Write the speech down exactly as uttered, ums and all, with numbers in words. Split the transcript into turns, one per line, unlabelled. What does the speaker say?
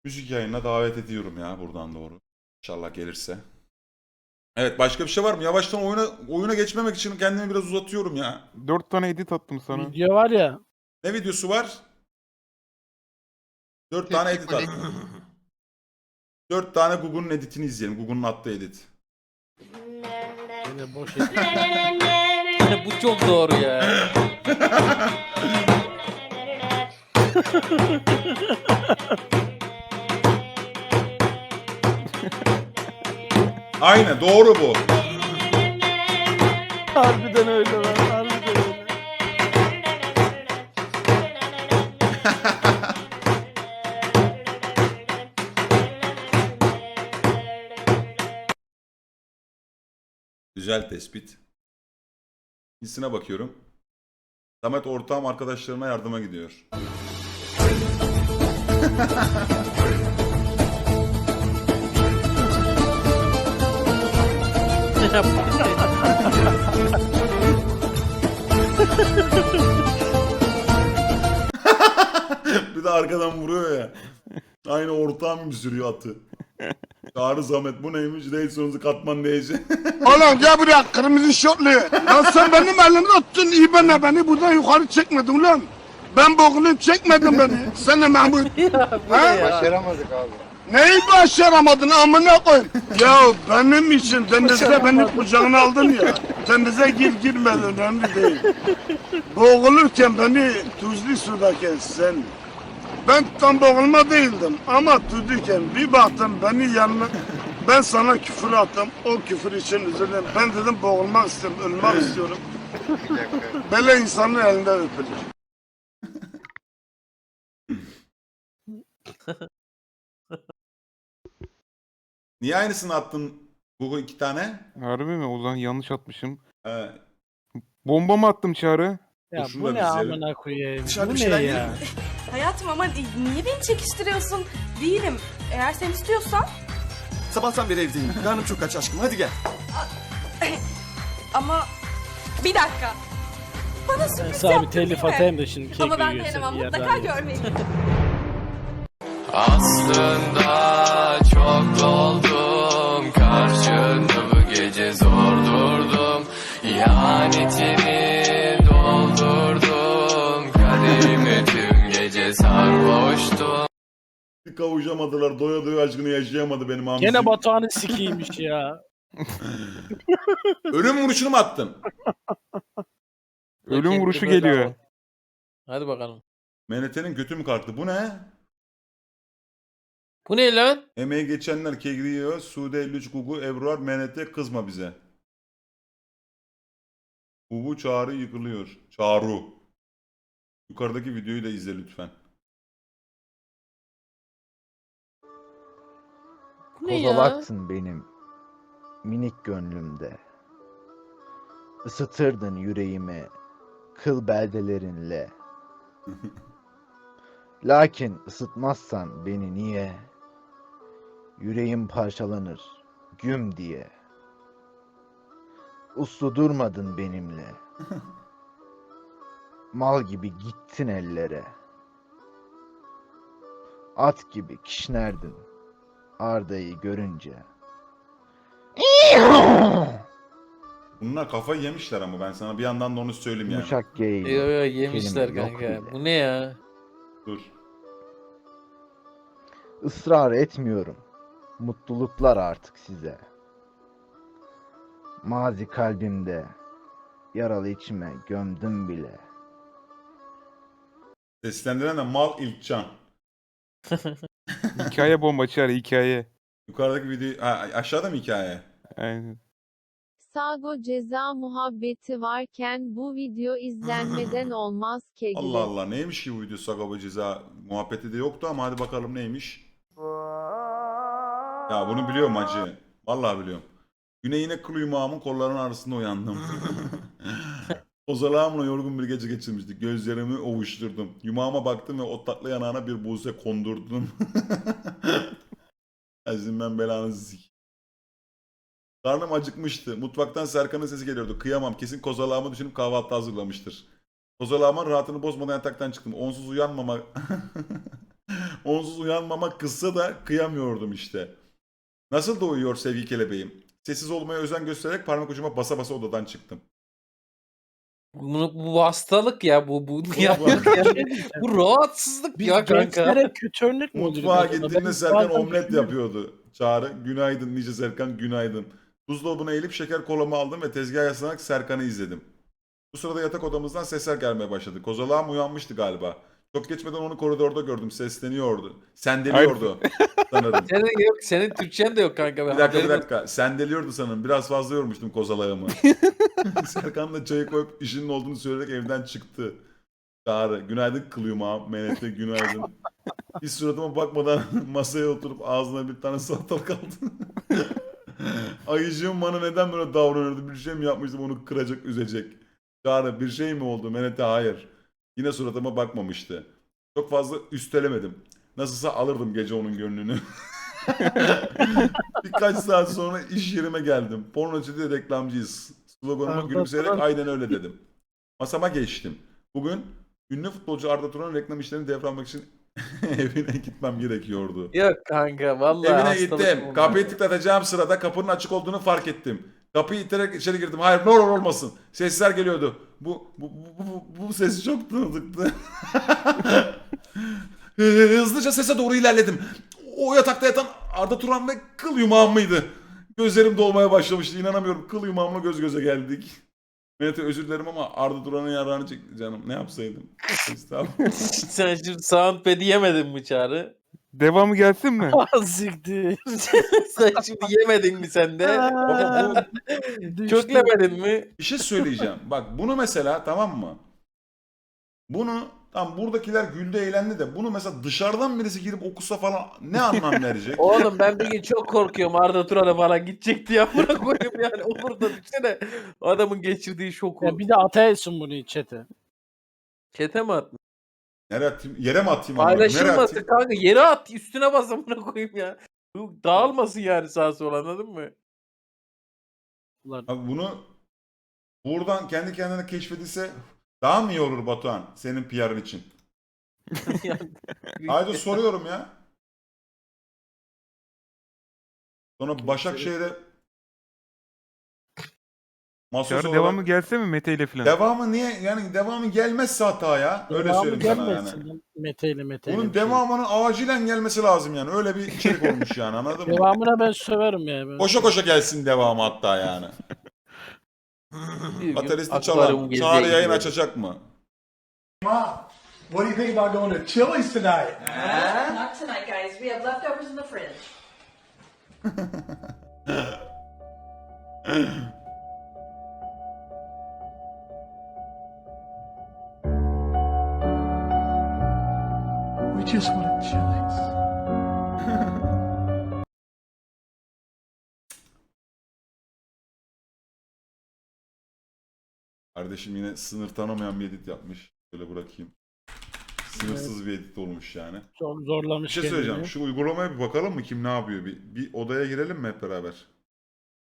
Müzik yayınına davet ediyorum ya buradan doğru. İnşallah gelirse. Evet, başka bir şey var mı? Yavaştan oyuna oyuna geçmemek için kendimi biraz uzatıyorum ya.
Dört tane edit attım sana.
Video var ya.
Ne videosu var? Dört tane edit at. Dört tane Google'un editini izleyelim. Google'un attığı edit.
Yine boş edit.
Bu çok doğru ya.
Aynen doğru bu.
Harbiden öyle lan. Harbiden öyle.
Güzel tespit. İkincisine bakıyorum. Samet ortağım arkadaşlarına yardıma gidiyor. Bir de arkadan vuruyor ya. Aynı ortağım gibi sürüyor atı. Çağrı Samet bu neymiş? Reison'uzu katman diyecek.
Oğlum gel buraya kırmızı şortlu. Lan sen benim elimi tuttun iyi bana beni buradan yukarı çekmedin ulan. Ben boğulayım çekmedin beni. Sen de Mahmut.
Ya bu ne
Ha?
ya?
Başaramadık abi. Neyi başaramadın amına koyayım? Ya benim için denize beni kucağına aldın ya. Denize gir girmedi önemli değil. Boğulurken beni tuzlu sudayken sen. Ben tam boğulma değildim ama tuzluyken bir baktım beni yanına. Ben sana küfür attım. O küfür için özür dilerim. Ben dedim boğulmak istiyorum, ölmek istiyorum. Böyle insanın elinden öpülür.
Niye aynısını attın Google iki tane?
Harbi mi? O zaman yanlış atmışım.
Ee,
Bomba mı attım Çağrı?
Ya
Şunu
bu
da
ne
bir izleyelim.
amına koyayım?
Dışarıda
Bu
bir
ne
şeyler
ya?
yiyelim mi?
Hayatım ama niye beni çekiştiriyorsun? Değilim. Eğer sen istiyorsan
Sabahtan beri evdeyim. Karnım çok aç aşkım. Hadi gel.
ama bir dakika. Bana
Ben
sürpriz
sana bir
yaptın
telif
değil mi?
atayım da şimdi kek
Ama ben
yiyorsun
dayanamam.
bir yerden
Mutlaka
ye.
görmeliyim.
Aslında çok doldum, karşında bu gece zor durdum. İhanetini doldurdum, kadehimi tüm gece sarhoştum.
bir kavuşamadılar. Doya doya aşkını yaşayamadı benim hamsi.
Gene Batuhan'ın sikiymiş ya.
Ölüm vuruşunu mu attın?
Ölüm
Kek
vuruşu
bedava.
geliyor.
Hadi bakalım.
M N T'nin götü mü kalktı? Bu ne?
Bu ne lan?
Emeği geçenler kegriyor. Sude elli üç Gugu Ebruar M N T kızma bize. Gugu Çağrı yıkılıyor. Çağrı. Yukarıdaki videoyu da izle lütfen.
Bu ne ya?
Kozalaksın benim minik gönlümde. Isıtırdın yüreğimi kıl beldelerinle. Lakin ısıtmazsan beni niye? Yüreğim parçalanır güm diye. Uslu durmadın benimle. Mal gibi gittin ellere. At gibi kişnerdin Arda'yı görünce.
Bunlar kafayı yemişler ama ben sana bir yandan da onu söyleyeyim yani.
Yumuşak geyik.
Yo yo yemişler
kelime yok
kanka.
bile.
Bu ne ya?
Dur.
Israr etmiyorum. Mutluluklar artık size. Mazi kalbimde. Yaralı içime gömdüm bile.
Seslendiren de Mal İlkcan.
Hikaye bomba Çağrı hikaye.
Yukarıdaki video... Ha, aşağıda mı hikaye?
Aynen.
Sago ceza muhabbeti varken bu video izlenmeden olmaz kegli.
Allah Allah neymiş ki bu video Sagopa ceza muhabbeti de yoktu ama hadi bakalım neymiş. Ya bunu biliyorum hacı. Vallahi biliyorum. Güne yine kıl yumağımın kollarının arasında uyandım. Ozalağımla yorgun bir gece geçirmiştik. Gözlerimi ovuşturdum. Yumağıma baktım ve o tatlı yanağına bir buse kondurdum. Azim ben belanızı sik. Karnım acıkmıştı. Mutfaktan Serkan'ın sesi geliyordu. Kıyamam. Kesin kozalağımı düşünüp kahvaltı hazırlamıştır. Kozalağımın rahatını bozmadan yataktan çıktım. Onsuz uyanmama... Onsuz uyanmamak kızsa da kıyamıyordum işte. Nasıl da uyuyor sevgili kelebeğim? Sessiz olmaya özen göstererek parmak ucuma basa basa odadan çıktım.
Bu, bu hastalık ya bu bu ya,
bu-
yani, bu rahatsızlık
Biz
ya kanka.
gençlere kötü örnek mi oluyoruz
Mutfağa
acaba?
gittiğinde
Ben
Serkan
bazen
omlet
düşünüyorum.
yapıyordu. Çağrı günaydın nice Serkan günaydın. Buzdolabına eğilip şeker kolamı aldım ve tezgaha yaslanarak Serkan'ı izledim. Bu sırada yatak odamızdan sesler gelmeye başladı. Kozalağım uyanmıştı galiba. Çok geçmeden onu koridorda gördüm. Sesleniyordu. Sendeliyordu sanırım.
Senin yok, senin Türkçen de yok kanka.
Bir dakika bir dakika. Sendeliyordu sanırım. Biraz fazla yormuştum kozalağımı. Serkan da çayı koyup işinin olduğunu söyleyerek evden çıktı. Çağrı. Günaydın kılıyım abi. Menete günaydın. Hiç suratıma bakmadan masaya oturup ağzına bir tane salatalık aldı. Ayıcığım bana neden böyle davranıyordu? Bir şey mi yapmıştım onu kıracak, üzecek? Çağrı bir şey mi oldu? Menete hayır. Yine suratıma bakmamıştı. Çok fazla üstelemedim. Nasılsa alırdım gece onun gönlünü. Birkaç saat sonra iş yerime geldim. Pornocu'da reklamcıyız. Sloganıma
Arda
gülümseyerek
Turan.
aynen öyle dedim. Masama geçtim. Bugün ünlü futbolcu Arda Turan'ın reklam işlerini devralmak için evine gitmem gerekiyordu.
Yok kanka vallahi
Evine
hastalık
gittim.
bu.
Kapıyı tıklatacağım sırada kapının açık olduğunu fark ettim. Kapıyı iterek içeri girdim. Hayır ne olur olmasın. Sesler geliyordu. Bu bu bu, bu, bu ses çok tanıdıktı. Hızlıca sese doğru ilerledim. O yatakta yatan Arda Turan ve kıl yumağım mıydı? Gözlerim dolmaya başlamıştı. İnanamıyorum. Kıl yumağımla göz göze geldik. Mehmet'e özür dilerim ama Arda Turan'ın yararını çekti canım. Ne yapsaydım? Estağfurullah.
Sen şimdi soundpad'i yemedin mi Çağrı?
Devamı gelsin mi?
Ah, siktir.
Sen şimdi yemedin mi sen de?
Ama bu
Düştü.
Köklemedin mi?
bir şey söyleyeceğim. Bak bunu mesela tamam mı? Bunu tam buradakiler güldü eğlendi de bunu mesela dışarıdan birisi girip okusa falan ne anlam verecek?
Oğlum ben bir gün çok korkuyorum Arda Turan'a falan gidecek diye amına koyayım yani. Olur da düşünsene adamın geçirdiği şoku.
Ya bir de ataysın bunu çete.
Çete mi attın?
Nereye atayım? Yere mi atayım? onu? Nereye
Paylaşılmasın
atayım?
kanka. Yere at. Üstüne bas amına koyayım ya. Bu dağılmasın yani sağa sola anladın mı?
Ulan
Abi bunu buradan kendi kendine keşfedilse daha mı iyi olur Batuhan senin P R'ın için?
Yani-
Haydi soruyorum ya. Sonra Başakşehir'e Masos
Çağrı
olarak-
devamı gelse mi Mete ile falan?
Devamı niye? Yani devamı gelmezse hata ya. Öyle
devamı
söyleyeyim sana
gelmesin
yani.
lan. Mete ile Mete ile
Bunun
bir şey.
devamının acilen gelmesi lazım yani. Öyle bir içerik olmuş yani anladın mı?
Devamına ben söverim ya. Ben.
Koşa koşa gelsin devamı hatta yani.
Bir gün
Bateristi
akvaryum
çalan.
geziye
Çağrı yayın
gidiyor.
açacak mı?
What do you think about going to Chili's tonight?
Not tonight, guys. We have leftovers in the fridge.
We just want Chili's.
Kardeşim yine sınır tanımayan bir edit yapmış. Böyle bırakayım. Sınırsız bir edit olmuş yani.
Çok
Bir
zorlamış
şey
kendini.
söyleyeceğim. Şu uygulamaya bir bakalım mı? Kim ne yapıyor? Bir, bir odaya girelim mi hep beraber?